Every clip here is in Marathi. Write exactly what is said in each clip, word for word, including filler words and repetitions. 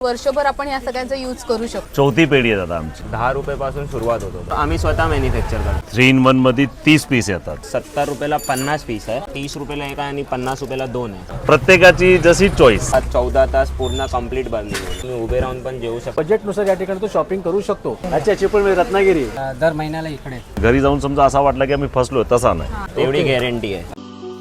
वर्षभर आपण या सगळ्यांचा यूज करू शकतो। चौथी पेढी आहे दादा आमची। दहा रुपयापासून सुरुवात होतो। आम्ही स्वतः मॅन्युफॅक्चर करतो। थ्री इन वन मध्ये तीस पीस येतात। सत्तर रुपयाला पन्नास पीस आहे, तीस रुपयाला एक आहे आणि पन्नास रुपयाला दोन आहे। प्रत्येकाची जशी चॉईस। आज चौदा तास पूर्ण कंप्लीट बनली, तुम्ही उभे राहून पण जेवू शकता। बजेटनुसार या ठिकाणी तो शॉपिंग करू शकतो। अच्छा चिपळूण रत्नागिरी दर महिन्याला इकडे घरी जाऊन समजा असा वाटला की आम्ही फसलो, तसा नाही। तेवढी गॅरंटी आहे।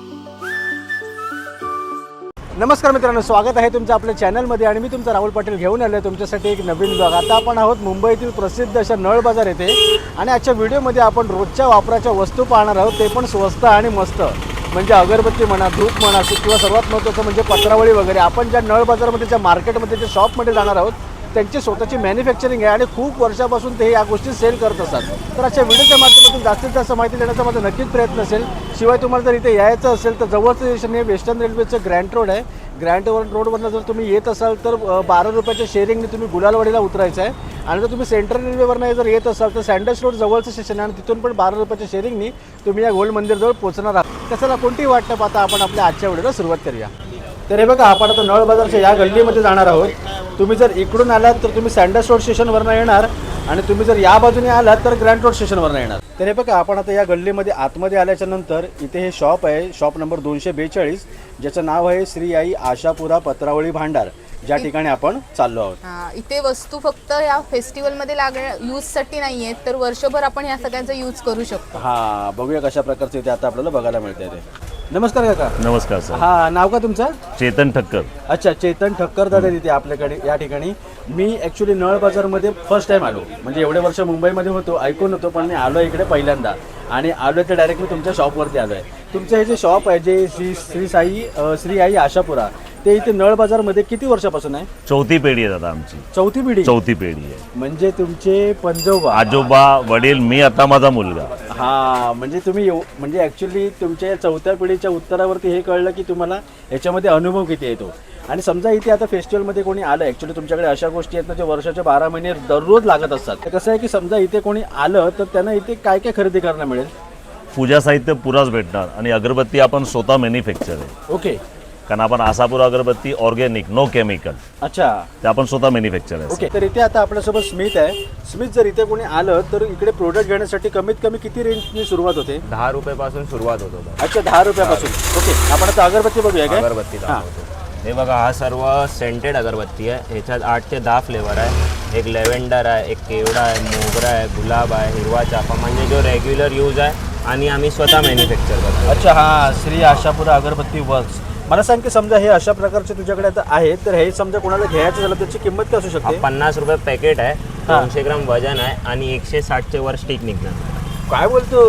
नमस्कार मित्रांनो, स्वागत आहे तुमचं आपल्या चॅनलमध्ये आणि मी तुमचा राहुल पाटील घेऊन आलो आहे तुमच्यासाठी एक नवीन ब्लॉग। आता आपण आहोत मुंबईतील प्रसिद्ध अशा नळ बाजार येथे आणि आजच्या व्हिडिओमध्ये आपण रोजच्या वापराच्या वस्तू पाहणार आहोत, ते पण स्वस्त आणि मस्त। म्हणजे अगरबत्ती म्हणा, धूप म्हणा किंवा सर्वात महत्त्वाचं म्हणजे पत्रावळी वगैरे। आपण ज्या नळ बाजारमध्ये ज्या मार्केटमध्ये ज्या शॉपमध्ये जाणार आहोत त्यांची स्वतःची मॅन्युफॅक्चरिंग आहे आणि खूप वर्षापासून ते या गोष्टी सेल करत असतात। तर आजच्या व्हिडिओच्या माध्यमातून जास्तीत जास्त माहिती देण्याचा माझा नक्कीच प्रयत्न असेल। शिवाय तुम्हाला जर इथे यायचं असेल तर जवळचं स्टेशन हे वेस्टर्न रेल्वेचं ग्रँड रोड आहे। ग्रँड रोडवरनं जर तुम्ही येत असाल तर बारा रुपयाच्या शेअरिंगने तुम्ही गुलालवाडीला उतरायचं आहे आणि जर तुम्ही सेंट्रल रेल्वेवरनं जर येत असाल तर सँडल्स रोड जवळचं स्टेशन आहे आणि तिथून पण बारा रुपयाच्या शेअरिंगनी तुम्ही या गोल्ड मंदिरजवळ पोहोचणार आहात। कशाला कोणतीही वाट न पाहता आपण आपल्या आजच्या व्हिडिओला सुरुवात करूया। तर हे बघा, आपण आता नळ बाजारच्या या गल्लीमध्ये जाणार आहोत। तुम्ही जर इकडून आलात तर तुम्ही सँडल्स रोड स्टेशनवरनं येणार आणि तुम्ही जर या बाजूने आलात तर ग्रँड रोड स्टेशनवरनं येणार। तर हे बघा, आपण आता या गल्लीमध्ये आतमध्ये आल्याच्या नंतर इथे हे शॉप आहे, शॉप नंबर दोनशे बेचाळीस, ज्याचं नाव आहे श्री आई आशापुरा पत्रावळी भांडार, ज्या ठिकाणी आपण चाललो आहोत। हा, इथे वस्तू फक्त या फेस्टिवल मध्ये लागण्या यूज साठी नाहीये, तर वर्षभर आपण या सगळ्यांचा यूज करू शकतो। हा, बघूया कशा प्रकारचे इथे आता आपल्याला बघायला मिळते ते। नमस्कार काका। नमस्कार सर। हा, नाव का तुमचं? चेतन ठक्कर। अच्छा, चेतन ठक्कर दादा तिथे आपल्याकडे या ठिकाणी। मी ॲक्च्युली नळ बाजारमध्ये फर्स्ट टाईम आलो, म्हणजे एवढे वर्ष मुंबईमध्ये होतो, ऐकून होतो, पण मी आलो इकडे पहिल्यांदा आणि आलो तर डायरेक्ट मी तुमच्या शॉपवरती आलो आहे। तुमचं हे जे शॉप आहे जे श्री श्री साई श्री आई आशापुरा, ते इथे नळ बाजारमध्ये किती वर्षापासून आहे? चौथी पेढी आहे दादा आमची। चौथी पिढी? चौथी पेढी आहे। म्हणजे तुमचे पंजोबा, आजोबा, वडील, मी, आता माझा मुलगा। हा, म्हणजे तुम्ही एव- म्हणजे ॲक्च्युली तुमच्या चौथ्या पिढीच्या उत्तरावरती हे कळलं की तुम्हाला याच्यामध्ये अनुभव किती येतो। आणि समजा इथे आता फेस्टिवलमध्ये कोणी आलं, ॲक्च्युली तुमच्याकडे अशा गोष्टी आहेत ना जे वर्षाचे बारा महिने दररोज लागत असतात। तर कसं आहे की समजा इथे कोणी आलं तर त्यांना इथे काय काय खरेदी करायला मिळेल? पूजा साहित्य पुराच भेटणार आणि अगरबत्ती आपण स्वतः मॅन्युफॅक्चर आहे, ओके। कारण आपण आशापुरा अगरबत्ती ऑर्गॅनिक, नो केमिकल, अच्छा, ते आपण स्वतः मॅन्युफॅक्चर आहे। ओके। तर इथे आता आपल्यासोबत स्मित आहे। स्मित, जर इथे कोणी आलं तर इकडे प्रोडक्ट घेण्यासाठी कमीत कमी किती रेंजनी सुरुवात होते? दहा रुपयापासून सुरुवात होतो। अच्छा, दहा रुपयापासून। ओके, आपण आता अगरबत्ती बघूया काय? अगरबत्ती दाखवतो। हे बघा, हा सर्व सेंटेड अगरबत्ती आहे। ह्याच्यात आठ ते दहा फ्लेवर आहे। एक लेव्हेंडर आहे, एक केवडा आहे, मोगरा आहे, गुलाब आहे, हिरवा चाफा, म्हणजे जो रेग्युलर यूज आहे आणि आम्ही स्वतः मॅन्युफॅक्चर करतो। अच्छा, हा, श्री आशापुरा अगरबत्ती वर्क्स। मला सांग की समजा हे अशा प्रकारचे तुझ्याकडे आता आहेत, तर हे समजा कोणाला घ्यायचं झालं त्याची किंमत काय असू शकते? पन्नास रुपये पॅकेट आहे, दोनशे ग्राम वजन आहे आणि एकशे साठचे वर स्टिक निघणार। काय बोलतो?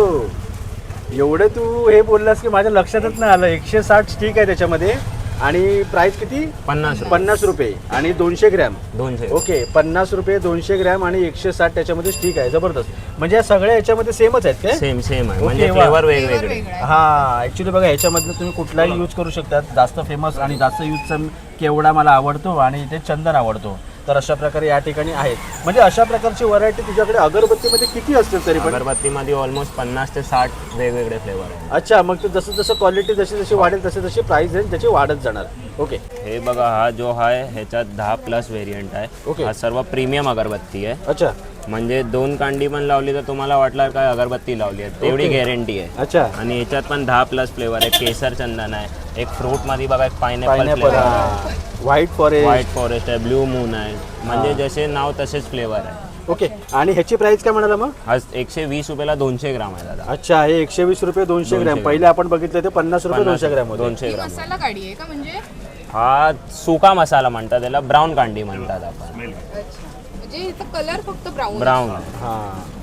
एवढे तू हे बोललास की माझ्या लक्षातच नाही आलं। एकशे साठ स्टिक आहे त्याच्यामध्ये आणि प्राइस किती? पन्नास रुपये पन्नास रुपये आणि दोनशे ग्रॅम। दोनशे ओके, पन्नास रुपये, दोनशे ग्रॅम आणि एकशे साठ त्याच्यामध्ये स्टिक आहे। जबरदस्त। म्हणजे या सगळ्या याच्यामध्ये सेमच आहेत काय? सेम सेम आहे, ओके, म्हणजे वा. फ्लेवर वेगवेगळे। हा, ॲक्च्युली बघा, ह्याच्यामधनं तुम्ही कुठलाही यूज करू शकतात। जास्त फेमस आणि जास्त यूजचा केवडा मला आवडतो आणि इथे चंदन आवडतो। तर अशा प्रकारे या ठिकाणी आहेत। म्हणजे अशा प्रकारची व्हरायटी तुझ्याकडे अगरबत्तीमध्ये किती असतील तरी पण? अगरबत्तीमध्ये ऑलमोस्ट पन्नास ते साठ वेगवेगळे फ्लेवर आहे। अच्छा, मग ते जसं जसं क्वालिटी जशी जशी वाढेल तसे तशी प्राइस रेंज त्याची वाढत जाणार। ओके, हे बघा, हा जो आहे ह्याच्यात दहा प्लस व्हेरियंट आहे। ओके. हा सर्व प्रीमियम अगरबत्ती आहे, अच्छा म्हणजे दोन कांडी पण लावली तर तुम्हाला वाटलं काय अगरबत्ती लावली आहे, तेवढी ओके. गॅरंटी आहे। अच्छा, आणि याच्यात पण दहा प्लस फ्लेवर आहे। केसर चंदन आहे, एक फ्रूट मध्ये बघा, एक पायनॅपल पायनॅपल, फ्लेवर आहे, व्हाईट फॉरेस्ट, व्हाईट फॉरेस्ट आहे, ब्ल्यू मून आहे, म्हणजे जसे नाव तसेच फ्लेवर आहे। ओके। आणि ह्याची प्राइस काय म्हणाला मग? हा एकशे वीस रुपयाला दोनशे ग्राम आहे दादा। अच्छा, हे एकशे वीस रुपये दोनशे ग्रॅम। पहिले आपण बघितलं ते पन्नास रुपये दोनशे ग्रॅम होते। दोनशे ग्राम मसाला काढी आहे का? म्हणजे हा सुका मसाला म्हणतात त्याला, ब्राऊन कांडी म्हणतात आपण। म्हणजे हिचा कलर फक्त ब्राऊन ब्राऊन हा,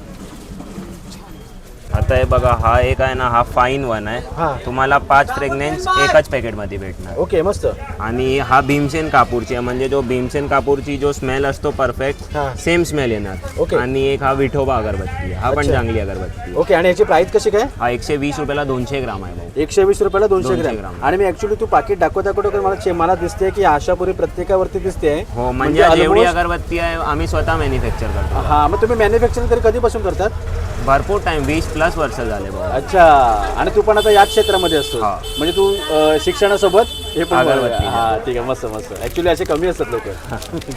आता हे बघा, हा एक आहे ना, हा फाईन वन हा. आहे, तुम्हाला पाच फ्रेग्नेन्स एकाच पॅकेटमध्ये भेटणार। ओके, मस्त। आणि हा भीमसेन कापूरची आहे, म्हणजे जो भीमसेन कापूरची जो स्मेल असतो परफेक्ट हा. सेम स्मेल येणार। ओके. आणि एक हा विठोबा अगरबत्ती आहे, हा पण अच्छा. चांगली अगरबत्ती आहे। ओके, आणि याची प्राइस कशी काय? हा एकशे वीस रुपयाला दोनशे ग्राम आहे भाऊ। एकशे वीस रुपयाला दोनशे दोनशे ग्रॅम। ग्रॅम. आणि मी ऍक्च्युली तू पाकिट दाखवत दाखवतो मला चे- मला दिसते की आशापुरी प्रत्येकावरती दिसते। हो, म्हणजे जेवढी almost- अगरबत्ती आहे आम्ही स्वतः मॅन्युफॅक्चर करतो। हा, मग तुम्ही मॅन्युफॅक्चरिंग तरी कधीपासून करतात? भरपूर टाइम, वीस प्लस वर्ष झाले भाऊ। अच्छा, आणि तू पण आता याच क्षेत्रामध्ये असतो? हा. म्हणजे तू अ, शिक्षणासोबत हे पण? अगरबत्ती. हा, ठीक आहे, मस्त मस्त। ऍक्च्युली असे कमी असतात लोक।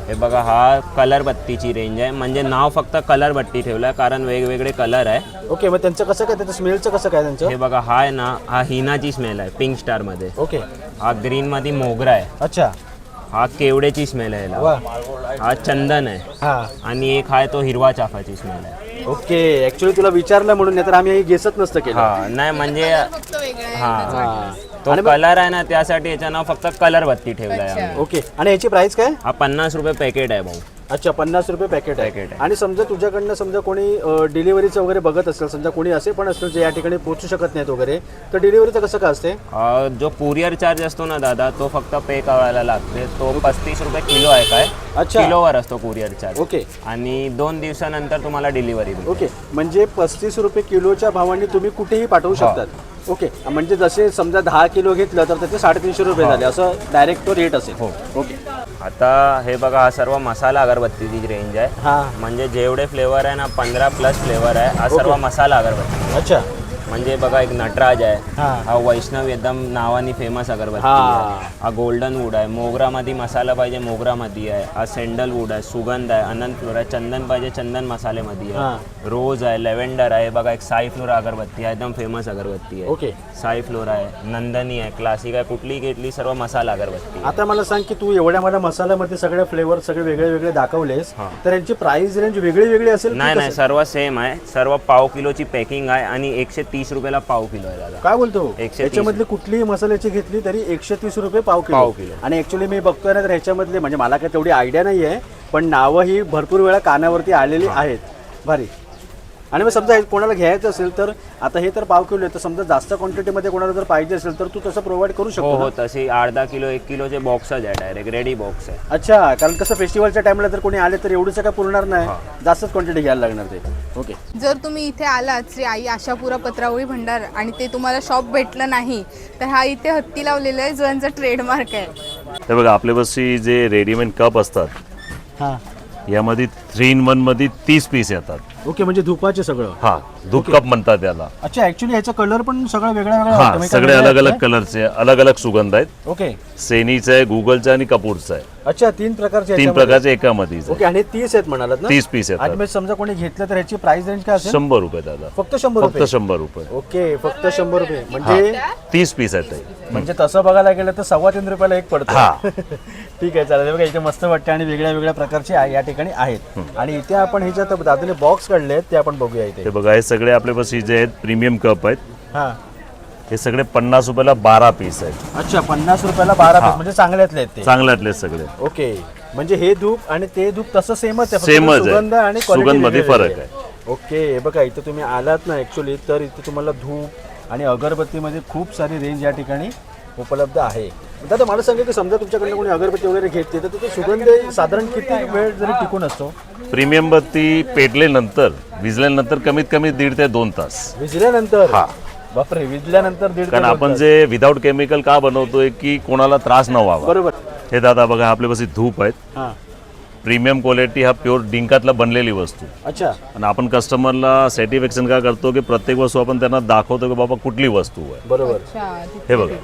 हे बघा हा कलर बत्तीची रेंज आहे, म्हणजे नाव फक्त कलर बत्ती ठेवलं आहे कारण वेगवेगळे कलर आहे. ओके, मग त्यांचं कसं काय, त्याचं स्मेलचं कसं काय त्यांचं? हे बघा हा आहे ना, हा हिनाची स्मेल आहे पिंक स्टारमध्ये. ओके. हा ग्रीनमध्ये मोगरा आहे. अच्छा. हा केवड्याची स्मेल आहे वा. याला. हा चंदन आहे. हां. आणि एक आहे तो हिरवा चाफाची स्मेल आहे. ओके, ऍक्च्युली तुला विचारलं म्हणून, नाही तर आम्ही गेसच नसतं केलं. हा नाही म्हणजे फक्त वेगळं आहे. हा हां. तो कलर आहे ना, त्यासाठी याचं नाव फक्त कलर बत्ती ठेवलं आहे आम्ही. ओके, आणि याची प्राइस काय? हा पन्नास रुपये पॅकेट आहे भाऊ. अच्छा, पन्नास रुपये पॅकेट आहे. पॅकेट आहे. आणि समजा तुझ्याकडनं समजा कोणी डिलिव्हरीचं वगैरे बघत असेल, समजा कोणी असे पण असतील जे या ठिकाणी पोहोचू शकत नाहीत वगैरे, तर डिलिव्हरीचं कसं काय असते? अ, जो कुरिअर चार्ज असतो ना दादा, तो फक्त पे करायला लागते. तो पस्तीस रुपये किलो आहे काय. अच्छा. किलोवर असतो कुरिअर चार्ज. ओके. आणि दोन दिवसानंतर तुम्हाला डिलिव्हरी. ओके, म्हणजे पस्तीस रुपये किलोच्या भावाने तुम्ही कुठेही पाठवू शकतात. ओके, म्हणजे जसे समजा दहा किलो घेतलं तर त्याचे साडेतीनशे रुपये झाले, असं डायरेक्ट तो रेट असेल. हो. ओके. आता हे बघा हा सर्व मसाला अगरबत्तीची रेंज आहे. हां. म्हणजे जेवढे फ्लेवर आहे ना, पंधरा प्लस फ्लेवर आहे. हा सर्व मसाला अगरबत्ती. अच्छा. म्हणजे बघा एक नटराज आहे. हां. हा वैष्णव एकदम नावाने फेमस अगरबत्ती हां. आहे. हा गोल्डन वूड आहे. मोगरामध्ये मसाला पाहिजे मोगरामध्ये आहे. हा सँडल वूड आहे. सुगंध आहे. अनंत फ्लोर आहे. चंदन पाहिजे चंदन मसालेमध्ये आहे. रोज आहे. लेव्हेंडर आहे. बघा एक साई फ्लोर अगरबत्ती आहे, एकदम फेमस अगरबत्ती आहे. ओके. साई फ्लोर आहे. नंदनी आहे. क्लासिक आहे. कुठली घेतली सर्व मसाला अगरबत्ती आहे. आता मला सांग की तू एवढ्या मला मसाल्यामध्ये सगळे फ्लेवर सगळे वेगळे वेगळे दाखवलेस, तर यांची प्राइस रेंज वेगळी वेगळी असेल की नाही नाही कसं? सर्व सेम आहे. सर्व पाव किलोची पॅकिंग आहे आणि एकशे तीस रुपयाला पाव किलो आहे दादा. काय बोलतो? एकशे तीस. याच्यामधली कुठलीही मसाल्याची घेतली तरी एकशे तीस रुपये पाव किलो. पाव किलो. आणि ऍक्च्युली मी बघतोय ना, तर ह्याच्यामधले म्हणजे मला काय तेवढी आयडिया नाही आहे, पण नावं ही भरपूर वेळा कानावरती आलेली आहेत. भारी. आणि मग समजा हे कोणाला घ्यायचं असेल तर आता हे तर पाव किलो आहे, तर समजा जास्त क्वांटिटीमध्ये कोणाला जर पाहिजे असेल तर तू तसं प्रोव्हाइड करू हो शकतो हो ना? तशी अर्धा किलो एक किलोचे बॉक्सच आहे, डायरेक्ट रेडी बॉक्स आहे. अच्छा, कारण कसं फेस्टिवलच्या टाइमला जर कोणी आले तर एवढंच काय पुरणार नाही, जास्तच क्वांटिटी घ्यायला लागणार ते. ओके. जर तुम्ही इथे आलात श्री आई आशापुरा पत्रावळी भंडार आणि ते तुम्हाला शॉप भेटलं नाही, तर हा इथे हत्ती लावलेला आहे जो यांचा ट्रेडमार्क आहे. हे बघा आपल्यापाशी जे रेडीमेड कप असतात, हां. यामध्ये थ्री इन वन मध्ये तीस पीस येतात. ओके, म्हणजे धुपाचे सगळं. हा, धूप कप म्हणतात त्याला. अच्छा, ऍक्च्युली ह्याचा कलर पण सगळं वेगळा वेगळा हा, वाटतो. म्हणजे सगळे काय अलग वेगळं अलग आहे? कलरचे, अलग अलग सुगंध आहेत. ओके. सेनीचं आहे, गुगलचं आहे आणि कपूरचं आहे. अच्छा, तीन प्रकारचे तीन याच्यामध्ये? प्रकारचे एकामध्येच ओके. आणि तीस आहेत म्हणालात ना? तीस पीस आणि येतात. मग समजा कोणी घेतलं तर ह्याची प्राइस रेंज काय असेल? शंभर रुपये दादा. फक्त शंभर फक्त रुपये शंभर रुपये. ओके, फक्त शंभर रुपये. म्हणजे तीस पीस आहेत ते. म्हणजे तसं बघायला गेलं तर सव्वा तीन रुपयाला एक पडतो. हा. ठीक आहे, चालेल. बघा इथे मस्त वाटते आणि वेगळ्या वेगळ्या प्रकारचे आहे- या ठिकाणी आहेत. आणि इथे आपण ह्याच्यात दादाने बॉक्स काढले आहेत ते आपण बघूया इथे. हे बघा हे सगळे आपल्यापाशी जे आहेत प्रीमियम कप आहेत. हा. हे सगळे पन्नास रुपयाला बारा पीस आहेत. अच्छा, पन्नास रुपयाला बारा पीस, म्हणजे चांगल्यातले आहेत ते. चांगल्यातले सगळे. ओके, म्हणजे हे धूप आणि ते धूप तसं सेमच आहे, फक्त सेमच आहे. सुगंध आणि quality सुगंध मध्ये वेगळी फरक वेगळी ओके. हे बघा इथे तुम्ही आलात ना ऍक्च्युली, तर इथे तुम्हाला धूप आणि अगरबत्तीमध्ये खूप सारी रेंज या ठिकाणी उपलब्ध आहे. दादा मला सांगा की समजा तुमच्याकडनं कोणी अगरबत्ती वगैरे घेतली तर तो सुगंध साधारण किती वेळ जरी टिकून असतो? प्रीमियम बत्ती पेटल्यानंतर विजल्यानंतर कमीत कमी दीड ते दोन तास. विजल्यानंतर? हा. बापरे, विजल्यानंतर दीड ते कारण दोन आपण तास. जे विदाऊट केमिकल का बनवतोय की कोणाला त्रास न व्हावा. बरोबर. हे दादा बघा आपल्यापाशी धूप आहेत. हां. प्रीमियम क्वालिटी, हा प्युअर डिंकातला बनलेली वस्तू. अच्छा. आणि आपण कस्टमरला सॅटिस्फॅक्शन का करतो की प्रत्येक वस्तू आपण त्यांना दाखवतो की बाबा कुठली वस्तू आहे. बरोबर. अच्छा, हे बघा.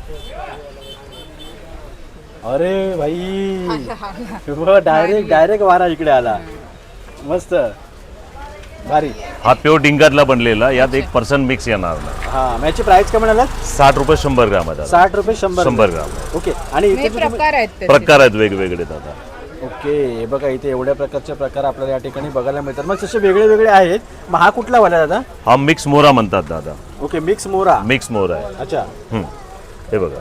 अरे भाई, डायरेक्ट डायरेक्ट वारा इकडे आला. मस्त भारी. हा प्युअर डिंकातला बनलेला, यात एक पर्सेंट मिक्स येणार नाही. हा, याची प्राइस काय म्हणाला? साठ रुपये शंभर ग्राम आहे दादा. साठ रुपये शंभर शंभर ग्राम. ओके. आणि इथे हे जे तुम्ही- प्रकार आहेत त्याचे. प्रकार आहेत वेगवेगळे दादा. ओके, हे बघा इथे एवढ्या प्रकारचे प्रकार आपल्याला या ठिकाणी बघायला मिळतात. मग तसे वेगळे वेगळे आहेत. मग हा कुठला वाला दादा? हा मिक्स मोरा म्हणतात दादा. ओके, मिक्स मोरा. मिक्स मोरा आहे. अच्छा. हम्म. हे बघा.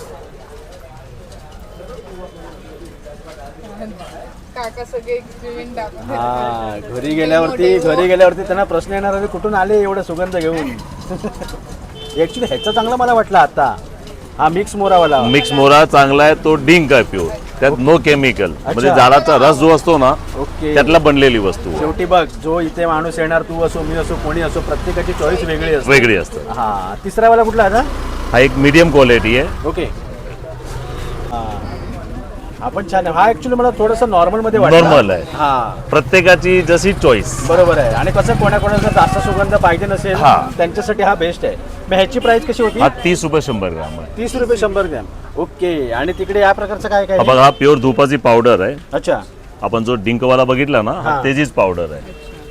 काका सगळे एक्सपेरिमेंट दाखवतात. हा, घरी गेल्यावरती घरी गेल्यावरती त्यांना प्रश्न येणार आहे कुठून आले एवढं सुगंध घेऊन. ऍक्च्युली ह्याचा चांगला मला वाटला आता, हा मिक्स मोरावाला. मिक्स मोरा चांगला आहे, तो डिंक आहे प्युअर, त्यात नो केमिकल. म्हणजे झाडाचा रस जो असतो ना ओके. त्यातला बनलेली वस्तू आहे. शेवटी बघ, जो इथे माणूस येणार, तू असो मी असो कोणी असो, प्रत्येकाची चॉईस वेगळी असते. वेगळी असते. हा. तिसरा वाला कुठला आता? हा एक मीडियम क्वालिटी आहे. ओके. हा, आपण छान आहे. हा ऍक्च्युली मला थोडंसं नॉर्मल मध्ये वाटला. नॉर्मल आहे. हा, प्रत्येकाची जशी चॉईस. बरोबर आहे. आणि कसं कोणाकोणाला जास्त सुगंध पाहिजे नसेल हा. त्यांच्यासाठी हा बेस्ट आहे. मग ह्याची प्राइस कशी होती? हा तीस रुपये शंभर ग्राम आहे. तीस रुपये शंभर ग्रॅम. ओके. आणि तिकडे या प्रकारचं काय काय हा आहे? बघा, हा प्युअर धुपाची पावडर आहे. अच्छा. आपण जो डिंकवाला बघितला ना हा. हा त्याचीच पावडर आहे.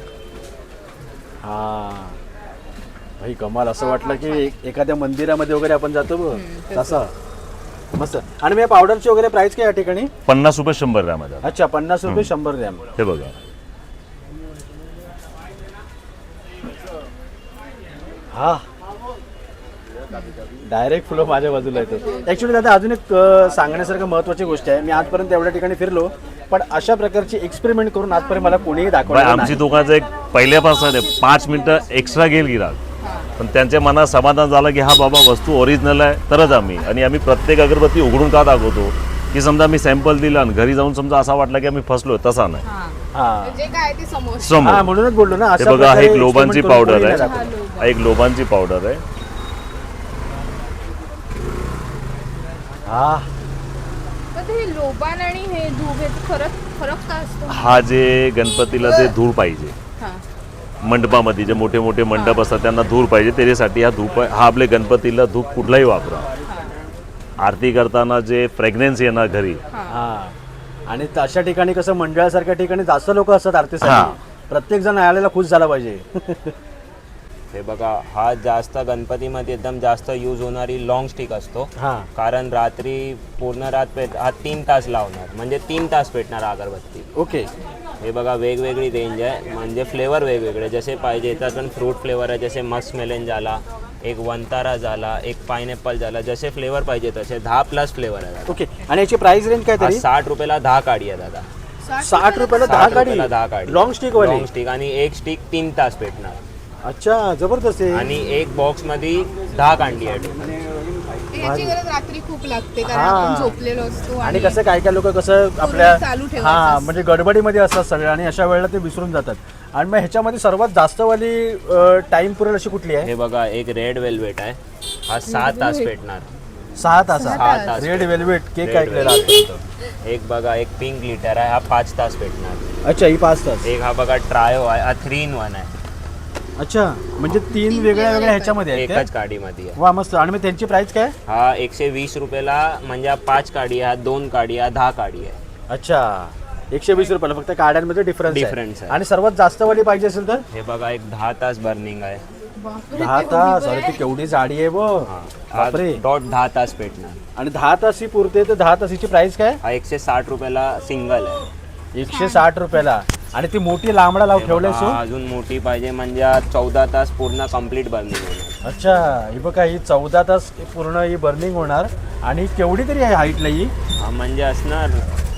हा भाई कमाल, असं वाटलं की एक- एखाद्या मंदिरामध्ये वगैरे आपण जातो बघ तसं मस्त. आणि मी पावडरची वगैरे प्राइस काय या ठिकाणी? पन्नास रुपये शंभर ग्रॅम आहे. अच्छा पन्नास रुपये शंभर ग्रॅम. हे बघा हा डायरेक्ट फ्लो माझ्या बाजूला येतो. ॲक्च्युली दादा अजून एक अ, सांगण्यासारखं महत्त्वाची गोष्ट आहे. मी आजपर्यंत एवढ्या ठिकाणी फिरलो पण अशा प्रकारची एक्सपेरिमेंट करून आजपर्यंत मला कोणीही बाय दाखवलं आमची दुकानाचं एक पहिल्यापासून आहे पाच मिनिटं एक्स्ट्रा घेईल गिराक, पण त्यांच्या मनात समाधान झालं की हा बाबा वस्तू ओरिजिनल आहे तरच आम्ही. आणि आम्ही प्रत्येक अगरबत्ती उघडून का दाखवतो की समजा मी सॅम्पल दिला आणि घरी जाऊन समजा असा वाटला की आम्ही फसलो, तसा नाही. हा हा जे काय ते समोर. हा समोर म्हणूनच बोललो ना. हे अशा बघा, प्रकारे एक लोबांची experiment करून पावडर कोणी आहे. नाही दाखवलं. लोबा. हा एक लोबांची पावडर आहे. हा पण हे लोबान आणि हे धूप हे फरक फरक काय असतो? हा जे गणपतीला जे धूर पाहिजे हा मंडपामध्ये जे मोठे मोठे मंडप असतात त्यांना धूर पाहिजे, त्याच्यासाठी हा धूप आहे. हा आपल्या गणपतीला धूप कुठलाही वापरा. आरती करताना जे फ्रेग्रन्स येणार घरी, हा आणि अशा ठिकाणी कसं मंडळासारख्या ठिकाणी जास्त लोक असतात हा. आरतीसाठी, प्रत्येक जण आलेला खुश झाला पाहिजे. हे बघा हा जास्त गणपतीमध्ये एकदम जास्त यूज होणारी लॉंग स्टिक असतो. हा कारण रात्री पूर्ण रात पेट हा तीन तास लावणार म्हणजे तीन तास पेटणार अगरबत्ती. ओके. हे बघा वेगवेगळी रेंज आहे म्हणजे फ्लेवर वेगवेगळे जसे पाहिजे. याच्यात पण फ्रूट फ्लेवर आहे जसे मस्क मेलन झाला, एक वंतारा झाला, एक पायनॅपल झाला, जसे फ्लेवर पाहिजे तसे दहा प्लस फ्लेवर आहे दादा. ओके. आणि याची प्राइस रेंज काय हा तरी? साठ रुपयाला दहा काडी आहे दादा. साठ रुपयाला दहा साठ गाडी रुपयाला दहा काडी लॉंग स्टिक वाली. लॉंग स्टिक आणि एक स्टिक तीन तास पेटणार. अच्छा जबरदस्त आहे. आणि एक बॉक्स मध्ये दहा कांडी आहे. याची गरज रात्री खूप लागते कारण हा. आपण झोपलेलो असतो आणि कसं काय काय लोक कसं आपल्या चालू ठेवायचं हा असतं. म्हणजे गडबडीमध्ये असतात सगळे आणि अशा वेळेला ते विसरून जातात. आणि मग ह्याच्यामध्ये सर्वात जास्त वाली टाइम पुरेल अशी कुठली आहे? हे बघा एक रेड वेल्वेट आहे. हा सहा तास पेटणार. सहा तासा सहा तास रेड वेल्वेट केक Red ऐकलेला velvet. आजपर्यंत. एक बघा एक पिंक लिटर आहे. हा पाच तास पेटणार. अच्छा ही पाच तास. एक हा बघा ट्रायो आहे. हा थ्री इन वन आहे. अच्छा म्हणजे तीन वेगळ्या वेगळ्या ह्याच्यामध्ये आहेत एकच त्या? काडीमध्ये आहे. वा मस्त. आणि मग त्यांची प्राइस काय? हा एकशे वीस रुपयाला म्हणजे हा पाच काडी आहे, हा दोन काडी आहे, दहा काडी आहे. अच्छा एकशे वीस रुपयाला फक्त काड्यांमध्ये डिफरन्स Difference आहे. आणि सर्वात जास्त वाली पाहिजे असेल तर हे बघा एक दहा तास बर्निंग आहे. बापरे, दहा ते तास. एवढी अरे ती केवढी जाडी आहे वो. हा हा बापरे. डॉट दहा तास पेटणार. आणि दहा तास ही पुरते तर दहा तासाची प्राइस काय? हा एकशे साठ रुपयाला सिंगल आहे. एकशे साठ रुपयाला. आणि ती मोठी लांबडा लाव ठेवलाय सो. हा, अजून मोठी पाहिजे म्हणजे हा चौदा तास पूर्ण कम्प्लीट बर्निंग होणार. अच्छा ही बघा ही चौदा तास पूर्ण ही बर्निंग होणार. आणि केवढी तरी आहे हाईटला ही? हा म्हणजे असणार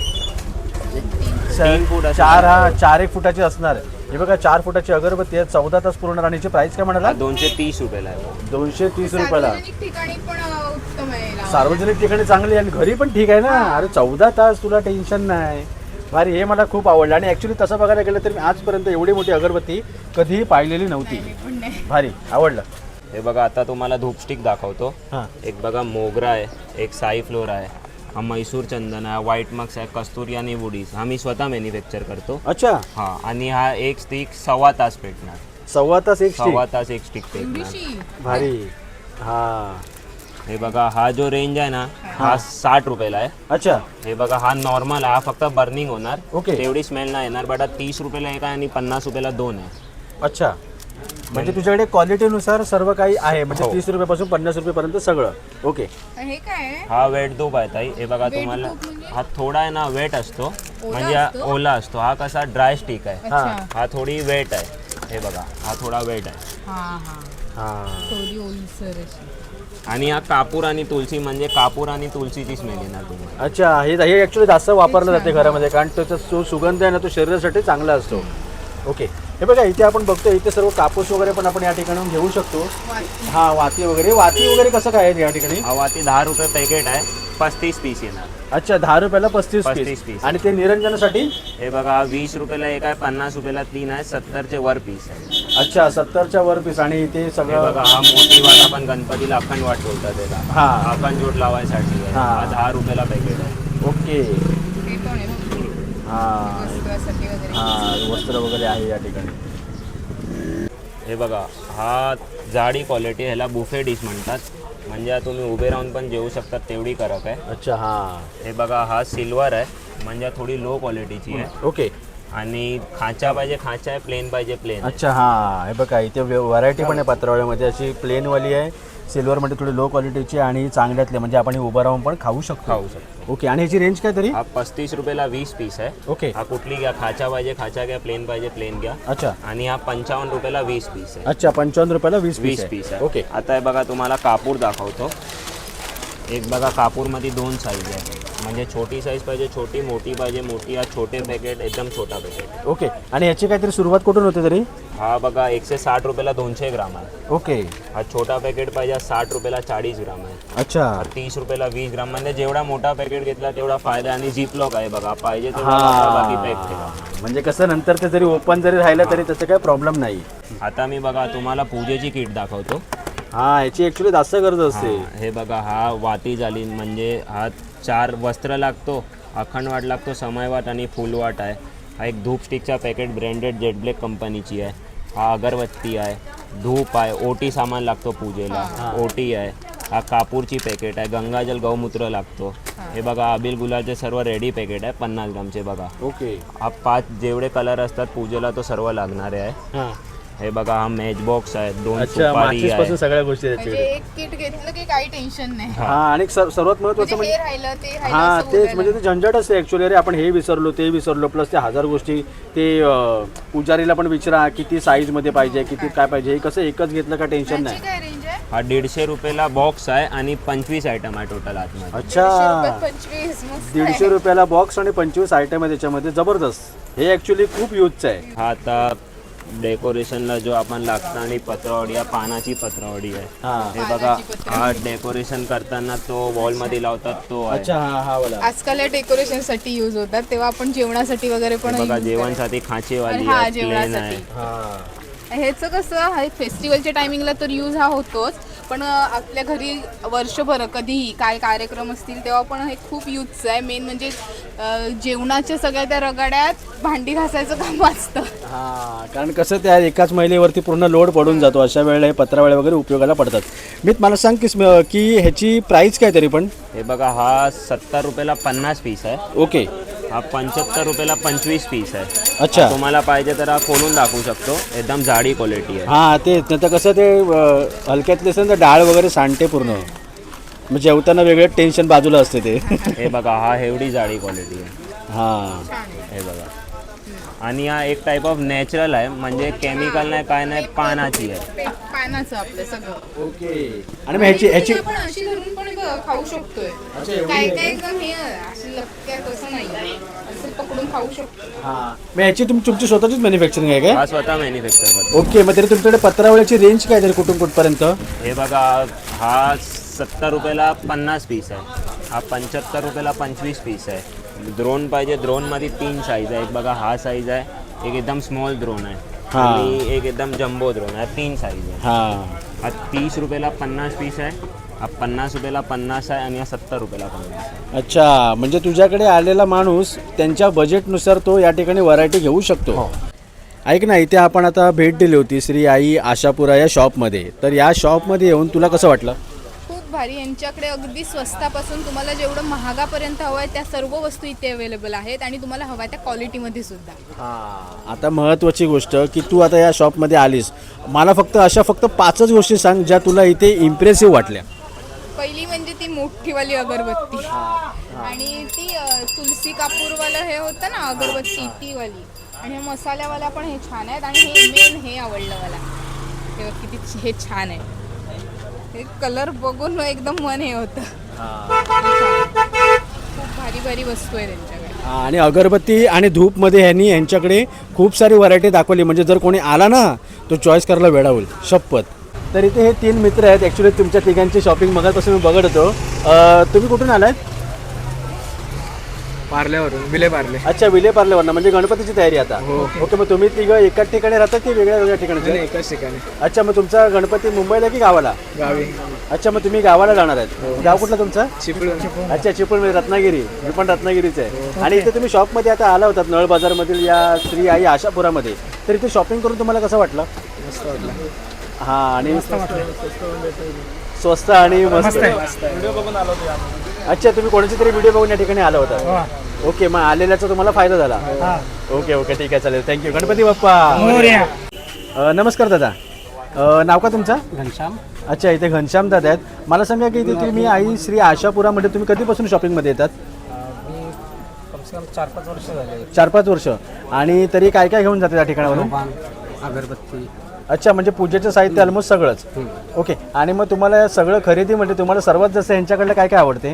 स- तीन फूट असणार. चार हा चार एक फुटाची असणार. हे बघा चार फुटाची अगरबत्ती आहे, चौदा तास पूर्ण. आणि हिची प्राइस काय हा म्हणाला? दोनशे तीस रुपयाला आहे. दोनशे तीस रुपयाला. सार्वजनिक ठिकाणी पण अ, उत्तम आहे लावायला. सार्वजनिक ठिकाणी चांगली आणि घरी पण ठीक आहे ना. अरे चौदा तास तुला टेन्शन नाही. भारी. हे मला खूप आवडलं. आणि ॲक्च्युली तसं बघायला गेलं तर मी आजपर्यंत एवढी मोठी अगरबत्ती कधीही पाहिलेली नव्हती. पण नाही. भारी आवडलं. हे बघा आता तुम्हाला धूपस्टिक दाखवतो. हां एक बघा मोगरा आहे, एक साई फ्लोर आहे, हा म्हैसूर चंदन आहे, व्हाईट मक्स आहे, कस्तुरी आणि वुडीज हा मी स्वतः मॅन्युफॅक्चर करतो. अच्छा हा आणि हा एक स्टिक सव्वा तास पेटणार. सव्वा तास एक सव्वा स्टिक. तास एक स्टिक पेटणार. एवढीशी? भारी. हा हे बघा हा जो रेंज आहे ना हा साठ रुपयाला आहे. अच्छा हे बघा हा नॉर्मल आहे, हा फक्त बर्निंग होणार. ओके. तेवढी स्मेल नाही येणार. बट हा तीस रुपयाला एक आहे आणि पन्नास रुपयाला दोन आहे. अच्छा म्हणजे तुझ्याकडे क्वालिटीनुसार सर्व काही आहे म्हणजे हो. तीस रुपयापासून पन्नास रुपयेपर्यंत सगळं. ओके. हे काय आहे? हा वेट धूप आहे ताई. हे बघा वेट तुम्हाला धूप म्हणजे? हा थोडा आहे ना वेट असतो ओला म्हणजे हा असतो? ओला असतो. हा कसा ड्राय स्टिक आहे. अच्छा. हा थोडी वेट आहे. हे बघा हा थोडा वेट आहे. हा हा हा थोडी ओलसर अशी. आणि हा कापूर आणि तुलसी म्हणजे कापूर आणि तुलसीची स्मेल येणार तुम्हाला. अच्छा हे हे ॲक्च्युली जास्त वापरलं जाते घरामध्ये कारण त्याचा जो सुगंध आहे ना तो शरीरासाठी चांगला असतो. ओके. हे बघा इथे आपण बघतो इथे सर्व कापूस वगैरे पण आपण या ठिकाणी घेऊ शकतो. वाटी. हा वाती वगैरे. वाती वगैरे कसं काय आहे या ठिकाणी? हा वाती दहा रुपये पॅकेट आहे. पस्तीस पीस येणार. अच्छा दहा रुपयाला पस्तीस पस्तीस पीस. piece. आणि ते निरंजनासाठी? हे बघा हा वीस रुपयाला एक आहे, पन्नास रुपयाला तीन आहे, सत्तरचे वर पीस आहे. अच्छा सत्तरच्या वर पीस. आणि ते हे सगळं बघा हा मोठी वाट आपण गणपतीला अखंड वाट बोलतात त्याला. हा. अखंड जोड लावायसाठी आहे. हा. हा दहा रुपयाला पॅकेट आहे. ओके. हे पण आहे बघ. हा वस्त्रासाठी वगैरे. हा वस्त्र वगैरे आहे या ठिकाणी. हे बघा हा जाडी क्वालिटी ह्याला बुफे डिश म्हणतात. म्हणजे तुम्ही उभे राहून पण जेवू शकतात तेवढी कडक आहे. अच्छा हा हे बघा हा सिल्वर आहे. म्हणजे थोडी लो क्वालिटीची आहे. ओके. आणि खाचा पाहिजे खाचा आहे, प्लेन पाहिजे प्लेन. अच्छा हां, हे बघा इथे व्हरायटी पण आहे पत्रावळ्यामध्ये. अशी प्लेनवाली आहे, सिल्वरमध्ये थोडी लो क्वालिटीची आणि चांगल्यातले, म्हणजे आपण उभं राहून पण खाऊ शकतो. खाऊ शकतो. ओके. आणि ह्याची रेंज काय तरी? हा पस्तीस रुपयाला वीस पीस आहे. ओके. हा कुठली घ्या, खाचा पाहिजे खाचा घ्या, प्लेन पाहिजे प्लेन घ्या. अच्छा. आणि हा पंचावन्न रुपयाला वीस पीस आहे. अच्छा, पंचावन्न रुपयाला वीस वीस पीस पीस आहे. आहे. ओके. आता हे बघा तुम्हाला कापूर दाखवतो. एक बघा कापूरमध्ये दोन साईज आहे, म्हणजे छोटी साईज पाहिजे छोटी, मोठी पाहिजे मोठी. हा छोटे पॅकेट, एकदम छोटा पॅकेट. ओके. आणि याची काहीतरी सुरुवात कुठून होते तरी? हा बघा एकशे साठ रुपयाला दोनशे ग्राम आहे. ओके. हा छोटा पॅकेट पाहिजे साठ रुपयाला चाळीस ग्राम आहे. अच्छा. हा तीस रुपयाला वीस ग्राम, म्हणजे जेवढा मोठा पॅकेट घेतला तेवढा फायदा. आणि झिप लॉक आहे बघा, पाहिजे तेवढा वापरा, बाकी पॅक ठेवा. म्हणजे कसं नंतर ते जरी ओपन जरी राहिलं तरी त्याचं काही प्रॉब्लेम नाही. आता मी बघा तुम्हाला पूजेची किट दाखवतो. हा, याची ॲक्च्युली जास्त गरज असते. हा, हे बघा हा वाती झाली, म्हणजे हा चार वस्त्र लागतो, अखंड वाट लागतो, समयवाट आणि फुलवाट आहे. हा एक धूप स्टिकचा पॅकेट ब्रँडेड जेट ब्लॅक कंपनीची आहे. हा अगरबत्ती आहे, धूप आहे, ओटी सामान लागतो पूजेला, ओटी आहे. हा कापूरची पॅकेट आहे, गंगाजल गौमूत्र लागतो. हे बघा अबिल गुलालचे सर्व रेडी पॅकेट आहे पन्नास ग्रामचे बघा. ओके. हा पाच जेवढे कलर असतात पूजेला तो सर्व लागणारे आहे. हां. हे बघा हा मॅच बॉक्स आहे, दोन अच्छा, सुपारी माचीस आहे. पासून सगळ्या गोष्टी म्हणजे त्याच्याकडे. एक किट घेतलं की काही टेन्शन नाही. हा, आणि सर्व- सर्वात महत्त्वाचं म्हणजे म्हणजे हे राहिलं ते राहिलं हा असं तेच, बोलायला. म्हणजे ते झंझट असते ॲक्च्युली. अरे आपण हे विसरलो ते विसरलो, प्लस ते हजार गोष्टी. ते अं, पुजारीला पण विचारा किती साईजमध्ये पाहिजे, किती काय पाहिजे. हे कसं एकच घेतलं का टेन्शन याची नाही. काय रेंज आहे? हा दीडशे रुपयाला बॉक्स आहे आणि पंचवीस आयटम आहे टोटल आतमध्ये. दीडशे अच्छा, रुपयात पंचवीस, मस्त आहे. दीडशे रुपयाला बॉक्स आणि पंचवीस आयटम आहे त्याच्यामध्ये. जबरदस्त. हे ॲक्च्युली खूप यूजचं आहे. हा आता डेकोरेशनला जो आपण लागतं आणि पत्रावडी, हा पानाची पत्रावडी आहे. हा. हे बघा हा डेकोरेशन करताना तो वॉलमध्ये लावतात तो आहे. अच्छा, हा हा वाला. आजकाल डेकोरेशन साठी युज होतात, तेव्हा आपण जेवणासाठी वगैरे पण हे बघा use जेवणसाठी खाचेवाली हा, आहे, प्लेन जेवणासाठी. आहे. हा. करायचं. ह्याचं कसं हा फेस्टिवलच्या टायमिंगला तर यूज हा होतोच, पण अं, आपल्या घरी वर्षभर कधीही काय कार्यक्रम असतील तेव्हा पण हे खूप यूजचं आहे. मेन म्हणजे अं, जेवणाच्या सगळ्या त्या रगाड्यात भांडी घासायचं काम वाचतं. हा, कारण कसं त्या एकाच महिलेवरती पूर्ण लोड पडून जातो. अशा वेळेला हे पत्रावळ्या वगैरे उपयोगाला पडतात. मी मला सांग की स्म- की ह्याची प्राईस काय तरी पण? हे बघा हा सत्तर रुपयाला पन्नास पीस आहे. ओके. हा पंच्याहत्तर रुपयाला पंचवीस पीस आहे. अच्छा. तुम्हाला पाहिजे तर हा खोलून दाखवू शकतो, एकदम जाडी क्वालिटी आहे. हा, तेच. नाही तर कसं ते अं, हलक्यातले असेल तर डाळ वगैरे सांडते पूर्ण. मग जेवताना वेगळं टेन्शन बाजूला असते ते. हे बघा हा एवढी जाडी क्वालिटी आहे. हा. हे बघा. आणि हा एक टाईप ऑफ नॅचरल आहे, म्हणजे केमिकल नाही काय नाही, पानाची आहे. पे- पानाचं आपलं सगळं. ओके. आणि मग ह्याची ह्याची आपण अशी धरून पण ब- खाऊ शकतोय. काय काय एकदम हे अशी लपक्यात असं नाही, असं पकडून खाऊ शकतो. हा, मग ह्याची तुम तुमची स्वतःचीच मॅन्युफॅक्चरिंग आहे काय? हा स्वतः मॅन्युफॅक्चर करतो. ओके. मग तरी तुमच्याकडे पत्रावळ्याची रेंज काय तरी कुठून कुठपर्यंत? हे बघा हा सत्तर रुपयाला पन्नास पीस आहे. हा पंच्याहत्तर रुपयाला पंचवीस पीस आहे. द्रोण पाहिजे, द्रोणमध्ये तीन साईज आहे. एक बघा हा साईज आहे, एक एकदम स्मॉल द्रोण आहे हा. आणि एक एकदम जम्बो द्रोण आहे. तीन साईज आहे. हा. हा तीस रुपयाला पन्नास पीस आहे. हा पन्नास रुपयाला पन्नास आहे आणि हा सत्तर रुपयाला पन्नास आहे. अच्छा, म्हणजे तुझ्याकडे आलेला माणूस त्यांच्या बजेटनुसार तो या ठिकाणी व्हरायटी घेऊ शकतो. ऐक ना, इथे आपण आता भेट दिली होती श्री आई आशापुरा या शॉपमध्ये. तर या शॉपमध्ये येऊन तुला कसं वाटलं? खूप भारी. यांच्याकडे अगदी स्वस्तापासून तुम्हाला जेवढं महागापर्यंत हवं आहे त्या सर्व वस्तू इथे अवेलेबल आहेत आणि तुम्हाला हव्या त्या क्वालिटीमध्ये सुद्धा. हां, आता महत्त्वाची गोष्ट की तू आता या शॉपमध्ये आलीस, मला फक्त अशा फक्त पाचच गोष्टी सांग ज्या तुला इथे इम्प्रेसिव्ह वाटल्या. पहिली म्हणजे ती मोठीवाली अगरबत्ती आणि ती अ, तुलसी कापूरवालं हे होतं ना अगरबत्ती ती वाली, आणि हे मसाल्यावाला पण हे छान आहेत. आणि हे मेन हे आवडलं मला, हे बघ किती छ- हे छान आहे. हे कलर बघून एकदम मन हे होतं. खूप भारी भारी वस्तू आहे त्यांच्याकडे. हां, आणि अगरबत्ती आणि धूपमध्ये ह्यांनी यांच्याकडे खूप सारी व्हरायटी दाखवली. म्हणजे जर कोणी आला ना तो चॉईस करायला वेळा होईल शपथ. तर इथे हे तीन मित्र आहेत. ॲक्च्युली तुमच्या तिघांची शॉपिंग मगापासून मी बघत होतो. अं, तुम्ही कुठून आलात? पार्ल्यावरून विले पार्ले. अच्छा, विले पार्लेवरनं. म्हणजे गणपतीची तयारी आता. ओके. मग तुम्ही तिघं एकाच ठिकाणी राहतात की वेगळ्या वेगळ्या ठिकाणी? एकाच ठिकाणी अच्छा, मग तुमचा गणपती मुंबईला की गावाला? गावी. अच्छा, मग तुम्ही गावाला जाणार आहेत. गाव कुठलं तुमचं? चिपळूण. अच्छा, चिपळूण, रत्नागिरी. मी पण रत्नागिरीच आहे. आणि इथे तुम्ही शॉपमध्ये आता आला होतात नळ बाजारमधील या श्री आई आशापुरामध्ये. तर इथे शॉपिंग करून तुम्हाला कसं वाटलं? मस्त वाटलं. हां, आणि स्वस्त आणि मस्त मस्त आहे. अच्छा, तुम्ही कोणाची तरी व्हिडिओ बघून या ठिकाणी आला होता. ओके, मग आलेल्याचा तुम्हाला फायदा झाला. ओके ओके ठीक आहे, चालेल, थँक्यू. गणपती बाप्पा. अ, नमस्कार दादा, अ, नाव का तुमचं? घनश्याम. अच्छा, इथे घनश्याम दादा आहेत. मला सांगा की इथे तुम्ही आई श्री आशापुरामध्ये तुम्ही कधीपासून शॉपिंगमध्ये येतात? मी कमसे कम चार पाच वर्ष झाले. चार पाच वर्ष. आणि तरी काय काय घेऊन जाते त्या ठिकाणावरून? पान, अगरबत्ती. अच्छा, म्हणजे पूजेचं साहित्य ऑलमोस्ट सगळंच. ओके, आणि मग तुम्हाला सगळं खरेदी म्हणजे तुम्हाला सर्वात जास्त यांच्याकडलं काय काय आवडते?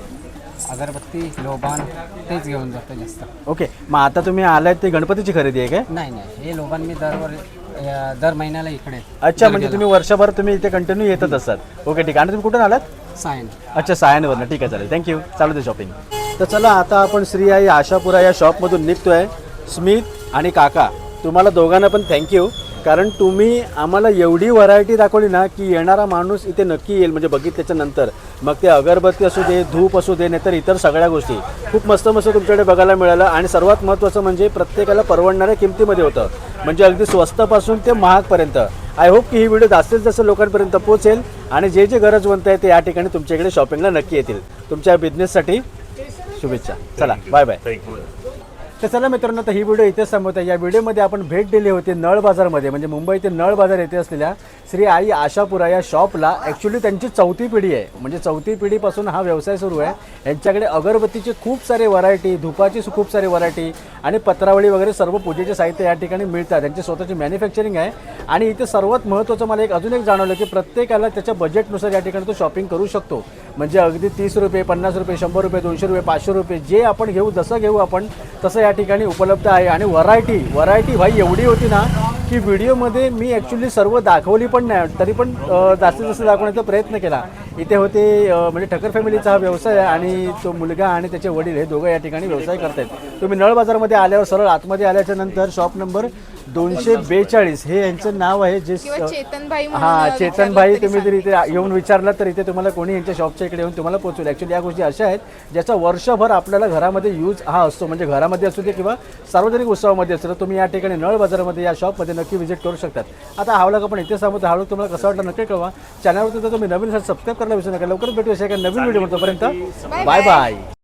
अगरबत्ती, लोबान तेच घेऊन जातो जास्त. ओके, मग आता तुम्ही आलात ते गणपतीची खरेदी आहे काय? नाही नाही, हे लोबान मी दरवर या- दर महिन्याला इकडे. अच्छा, म्हणजे तुम्ही वर्षभर तुम्ही इथे कंटिन्यू येतच असतात. ओके ठीक आहे. आणि तुम्ही कुठून आलात? सायन. अच्छा, सायनवरनं. ठीक आहे, चालेल, थँक्यू. चालू दे शॉपिंग. तर चला, आता आपण श्री आई आशापुरा या शॉपमधून निघतोय. स्मित आणि काका, तुम्हाला दोघांना पण थँक्यू, कारण तुम्ही आम्हाला एवढी व्हरायटी दाखवली ना की येणारा माणूस इथे नक्की येईल म्हणजे बघितल्याच्या नंतर. मग ते अगरबत्ती असू दे, धूप असू दे, नाहीतर इतर सगळ्या गोष्टी खूप मस्त मस्त तुमच्याकडे बघायला मिळालं. आणि सर्वात महत्त्वाचं म्हणजे प्रत्येकाला परवडणाऱ्या किमतीमध्ये होतं, म्हणजे अगदी स्वस्तापासून ते महागपर्यंत. आय होप की ही व्हिडिओ जास्तीत जास्त लोकांपर्यंत पोहोचेल आणि जे जे गरजवंत आहे ते या ठिकाणी तुमच्याकडे शॉपिंगला नक्की येतील. तुमच्या बिझनेससाठी शुभेच्छा. चला, बाय बाय. थँक्यू. तर चला मित्रांनो, तर ही व्हिडिओ इथेच संपवत आहे. या व्हिडिओमध्ये आपण भेट दिली होती नळ बाजारमध्ये, म्हणजे मुंबईतील नळ बाजार येथे असलेल्या श्री आई आशापुरा या शॉपला. ॲक्च्युली त्यांची चौथी पिढी आहे, म्हणजे चौथी पिढीपासून हा व्यवसाय सुरू आहे. यांच्याकडे अगरबत्तीचे खूप सारे व्हरायटी, धुपाची खूप सारे व्हरायटी आणि पत्रावळी वगैरे सर्व पूजेचे साहित्य या ठिकाणी मिळतात. त्यांची स्वतःची मॅन्युफॅक्चरिंग आहे. आणि इथे सर्वात महत्त्वाचं मला एक अजून एक जाणवलं की प्रत्येकाला त्याच्या बजेटनुसार या ठिकाणी तो शॉपिंग करू शकतो. म्हणजे अगदी तीस रुपये, पन्नास रुपये, शंभर रुपये, दोनशे रुपये, पाचशे रुपये जे आपण घेऊ, जसं घेऊ आपण तसं या ठिकाणी उपलब्ध आहे. आणि व्हरायटी व्हरायटी भाई एवढी होती ना की व्हिडिओमध्ये मी ॲक्च्युली सर्व दाखवली पण नाही, तरी पण अ, जास्तीत जास्त दाखवण्याचा प्रयत्न केला. इथे होते अ, म्हणजे ठक्कर फॅमिलीचा हा व्यवसाय आहे आणि तो मुलगा आणि त्याचे वडील हे दोघं या ठिकाणी व्यवसाय करतात. तुम्ही नळ बाजारमध्ये आल्यावर सरळ आतमध्ये आल्याच्या नंतर शॉप नंबर दोनशे बेचाळीस हे यांचं नाव आहे. जे किंवा चेतनभाई म्हणून हां, विचारलं चेतनभाई तरी तुम्ही जर सांगतील. इथे येऊन विचारलं तर इथे तुम्हाला कोणी यांच्या शॉपच्या इकडे येऊन तुम्हाला पोहोचवेल. ॲक्च्युली या गोष्टी अशा आहेत ज्याचा वर्षभर आपल्याला घरामध्ये यूज हा असतो, म्हणजे घरामध्ये असू दे किंवा सार्वजनिक उत्सवामध्ये असतो. तर तुम्ही या ठिकाणी नळ बाजारामध्ये या शॉपमध्ये नक्की व्हिजिट करू शकतात. आता हा व्लॉग आपण इथे सांगतो. हा व्लॉग तुम्हाला कसा वाटला नक्की कळवा. चॅनलवरती तर तुम्ही नवीन सबस्क्राईब करायला विसरू नका. लवकरच भेटू अशा एका नवीन व्हिडिओ. तोपर्यंत बाय बाय.